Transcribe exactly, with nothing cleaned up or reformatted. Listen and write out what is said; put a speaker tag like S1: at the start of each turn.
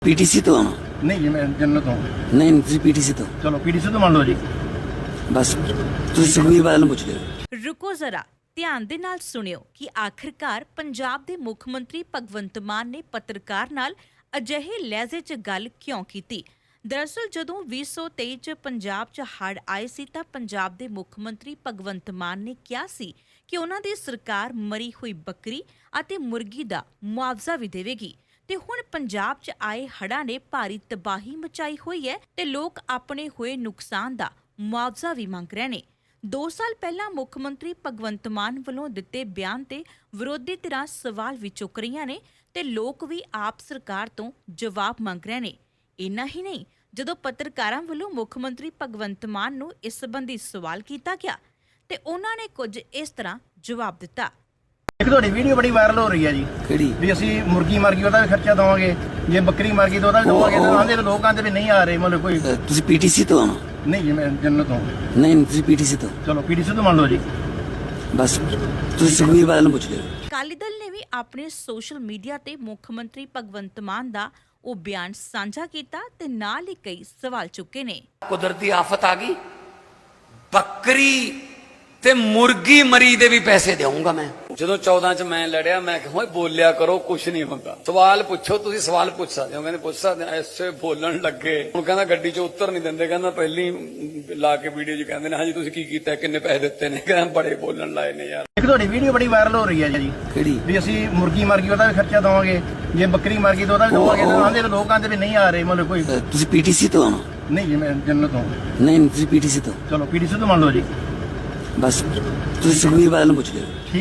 S1: PTC ਤੋਂ ਆਉਣਾ
S2: ਨਹੀਂ ਜੀ ਮੈਂ ਜੰਨਤ ਤੋਂ
S1: ਨਹੀਂ ਤੁਸੀਂ ਪੀਟੀਸੀ ਤੋਂ
S2: ਚਲੋ ਪੀਡੀਸੀ ਤੋਂ ਮੰਨ ਲਓ ਜੀ।
S1: ਬਸ ਤੁਸੀਂ ਸੁਖਬੀਰ ਬਾਦਲ ਨੂੰ ਪੁੱਛ ਲਿਓ।
S3: ਰੁਕੋ ਜ਼ਰਾ, ਧਿਆਨ ਦੇ ਨਾਲ ਸੁਣਿਓ ਕਿ ਆਖਿਰਕਾਰ ਪੰਜਾਬ ਦੇ ਮੁੱਖ ਮੰਤਰੀ ਭਗਵੰਤ ਮਾਨ ਨੇ ਪੱਤਰਕਾਰ ਨਾਲ ਅਜਿਹੇ ਲਹਿਜ਼ੇ 'ਚ ਗੱਲ ਕਿਉਂ ਕੀਤੀ। ਦਰਅਸਲ ਜਦੋਂ ਵੀਹ ਸੌ ਤੇਈ 'ਚ ਪੰਜਾਬ 'ਚ ਹੜ੍ਹ ਆਏ ਸੀ ਤਾਂ ਪੰਜਾਬ ਦੇ ਮੁੱਖ ਮੰਤਰੀ ਭਗਵੰਤ ਮਾਨ ਨੇ ਕਿਹਾ ਸੀ ਕਿ ਉਹਨਾਂ ਦੀ ਸਰਕਾਰ ਮਰੀ ਹੋਈ ਬੱਕਰੀ ਅਤੇ ਮੁਰਗੀ ਦਾ ਮੁਆਵਜ਼ਾ ਵੀ ਦੇਵੇਗੀ। ਤੇ ਹੁਣ ਪੰਜਾਬ 'ਚ ਆਏ ਹੜ੍ਹਾਂ ਨੇ ਭਾਰੀ ਤਬਾਹੀ ਮਚਾਈ ਹੋਈ ਹੈ ਤੇ ਲੋਕ ਆਪਣੇ ਹੋਏ ਨੁਕਸਾਨ ਦਾ ਮੁਆਵਜ਼ਾ ਵੀ ਮੰਗ ਰਹੇ ਨੇ। ਦੋ ਸਾਲ ਪਹਿਲਾਂ ਮੁੱਖ ਮੰਤਰੀ ਭਗਵੰਤ ਮਾਨ ਵੱਲੋਂ ਦਿੱਤੇ ਬਿਆਨ ਤੇ ਵਿਰੋਧੀ ਧਿਰਾਂ ਸਵਾਲ ਵੀ ਚੁੱਕ ਰਹੀਆਂ ਨੇ ਤੇ ਲੋਕ ਵੀ ਆਪ ਸਰਕਾਰ ਤੋਂ ਜਵਾਬ ਮੰਗ ਰਹੇ ਨੇ। ਇੰਨਾ ਹੀ ਨਹੀਂ, ਜਦੋਂ ਪੱਤਰਕਾਰਾਂ ਵੱਲੋਂ ਮੁੱਖ ਮੰਤਰੀ ਭਗਵੰਤ ਮਾਨ ਨੂੰ ਇਸ ਸੰਬੰਧੀ ਸਵਾਲ ਕੀਤਾ ਗਿਆ ਤੇ ਉਹਨਾਂ ਨੇ ਕੁਝ ਇਸ ਤਰ੍ਹਾਂ ਜਵਾਬ ਦਿੱਤਾ।
S2: ਇੱਕ ਤੁਹਾਡੀ ਵੀਡੀਓ ਬੜੀ ਵਾਇਰਲ ਹੋ ਰਹੀ ਹੈ ਜੀ
S1: ਕਿਹੜੀ
S2: ਵੀ ਅਸੀਂ ਮੁਰਗੀ ਮਰ ਗਈ ਉਹਦਾ ਵੀ ਖਰਚਾ ਦਵਾਂਗੇ, ਜੇ ਬੱਕਰੀ ਮਰ ਗਈ ਤਾਂ ਉਹਦਾ ਵੀ ਦਵਾਂਗੇ। ਤਾਂ ਆਂਦੇ ਲੋਕ ਆਂਦੇ ਵੀ ਨਹੀਂ ਆ ਰਹੇ, ਮਤਲਬ ਕੋਈ
S1: ਅ, ਤੁਸੀਂ ਪੀਟੀਸੀ ਤੋਂ ਆਉਣਾ
S2: ਨਹੀਂ ਜੀ ਮੈਂ ਜੰਨਤ ਤੋਂ
S1: ਨਹੀਂ ਤੁਸੀਂ ਪੀਟੀਸੀ ਤੋਂ
S2: ਚਲੋ ਪੀਡੀਸੀ ਤੋਂ ਮੰਨ ਲਓ ਜੀ।
S1: ਬਸ ਤੁਸੀਂ ਸੁਖਬੀਰ ਬਾਦਲ ਨੂੰ ਪੁੱਛ ਲਿਓ।
S3: ਅਕਾਲੀ ਦਲ ਨੇ ਵੀ ਆਪਣੇ ਸੋਸ਼ਲ ਮੀਡੀਆ ਤੇ ਮੁੱਖ ਮੰਤਰੀ ਭਗਵੰਤ ਮਾਨ ਦਾ ਉਹ ਬਿਆਨ ਸਾਂਝਾ ਕੀਤਾ ਤੇ ਨਾਲ ਹੀ ਕਈ ਸਵਾਲ ਚੁੱਕੇ ਨੇ।
S4: ਕੁਦਰਤੀ ਆਫਤ ਆ ਗਈ, ਬੱਕਰੀ ਤੇ ਮੁਰਗੀ ਮਰੀ ਦੇ ਵੀ ਪੈਸੇ ਦੇਵਾਂਗਾ ਮੈਂ। ਜਦੋਂ ਚੌਦਾਂ ਚ ਮੈਂ ਲੜਿਆ ਮੈਂ ਕਿਹਾ ਓਏ ਬੋਲਿਆ ਕਰੋ, ਕੁਛ ਨਹੀਂ ਹੁੰਦਾ, ਸਵਾਲ ਪੁੱਛੋ, ਤੁਸੀਂ ਸਵਾਲ ਪੁੱਛ ਸਕਦੇ ਹੋ। ਕਹਿੰਦੇ ਪੁੱਛ ਸਕਦੇ, ਐਸੇ ਬੋਲਣ ਲੱਗੇ। ਹੁਣ ਕਹਿੰਦਾ ਗੱਡੀ ਚ ਉੱਤਰ ਨਹੀਂ ਦਿੰਦੇ, ਕਹਿੰਦਾ ਪਹਿਲੀ ਲਾ ਕੇ ਵੀਡੀਓ ਚ ਕਹਿੰਦੇ ਨੇ ਹਾਂਜੀ ਤੁਸੀਂ ਕੀ ਕੀਤਾ, ਕਿੰਨੇ ਪੈਸੇ ਦਿੱਤੇ ਨੇ। ਕਹਿੰਦਾ ਬੜੇ ਬੋਲਣ ਲਾਏ ਨੇ ਯਾਰ।
S2: ਇੱਕ ਤੁਹਾਡੀ ਵੀਡੀਓ ਬੜੀ ਵਾਇਰਲ ਹੋ ਰਹੀ ਹੈ ਜੀ
S1: ਕਿਹੜੀ
S2: ਵੀ ਅਸੀਂ ਮੁਰਗੀ ਮਰ ਗਈ ਉਹਦਾ ਵੀ ਖਰਚਾ ਦਵਾਂਗੇ, ਜੇ ਬੱਕਰੀ ਮਰ ਗਈ ਤਾਂ ਉਹਦਾ ਵੀ ਦਵਾਂਗੇ। ਤਾਂ ਆਂਦੇ ਲੋਕ ਆਂਦੇ ਵੀ ਨਹੀਂ ਆ ਰਹੇ, ਮਤਲਬ ਕੋਈ
S1: ਅ, ਤੁਸੀਂ ਪੀਟੀਸੀ ਤੋਂ ਆਉਣਾ
S2: ਨਹੀਂ ਜੀ ਮੈਂ ਜੰਨਤ ਤੋਂ
S1: ਨਹੀਂ ਤੁਸੀਂ ਪੀਟੀਸੀ ਤੋਂ
S2: ਚਲੋ ਪੀਡੀਸੀ ਤੋਂ ਮੰਨ ਲਓ ਜੀ।
S1: ਬਸ ਤੁਸੀਂ ਸੁਖਬੀਰ ਬਾਦਲ ਨੂੰ ਪੁੱਛ ਲਿਓ।